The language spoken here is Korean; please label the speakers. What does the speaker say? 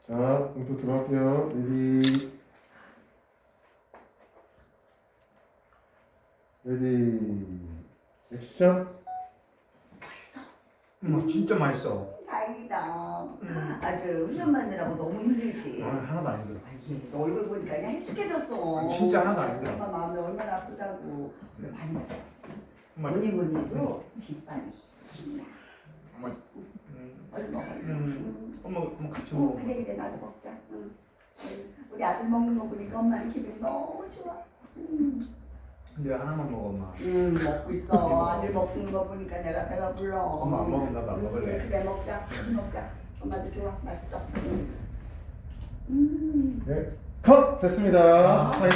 Speaker 1: 자, 공부 들어갈게요. 레디, 액션.
Speaker 2: 맛있어.
Speaker 3: 진짜 맛있어.
Speaker 2: 다행이다. 아들 훈련 만느라고 너무 힘들지.
Speaker 3: 하나도 안 힘들어.
Speaker 2: 얘, 너 얼굴 보니까 그냥 익숙해졌어.
Speaker 3: 진짜 하나도 안 힘들어.
Speaker 2: 엄마 마음이 얼마나 아프다고. 그래, 많이 먹어.
Speaker 3: 엄마,
Speaker 2: 뭐니 뭐니 해도 집안이 힘나.
Speaker 3: 엄마,
Speaker 2: 얼른 먹어.
Speaker 3: 엄마 같이 먹어.
Speaker 2: 그래 그래 나도 먹자. 응. 우리 아들 먹는 거 보니까 엄마는 기분이 너무 좋아.
Speaker 3: 내가 하나만 먹어, 엄마.
Speaker 2: 먹고 있어. 아들 먹는 거 보니까 내가 배가 불러.
Speaker 3: 엄마 안 먹으면 나도 안 먹을래.
Speaker 2: 그래 먹자. 먹자. 엄마도 좋아. 맛있어.
Speaker 1: 네, 컷! 됐습니다.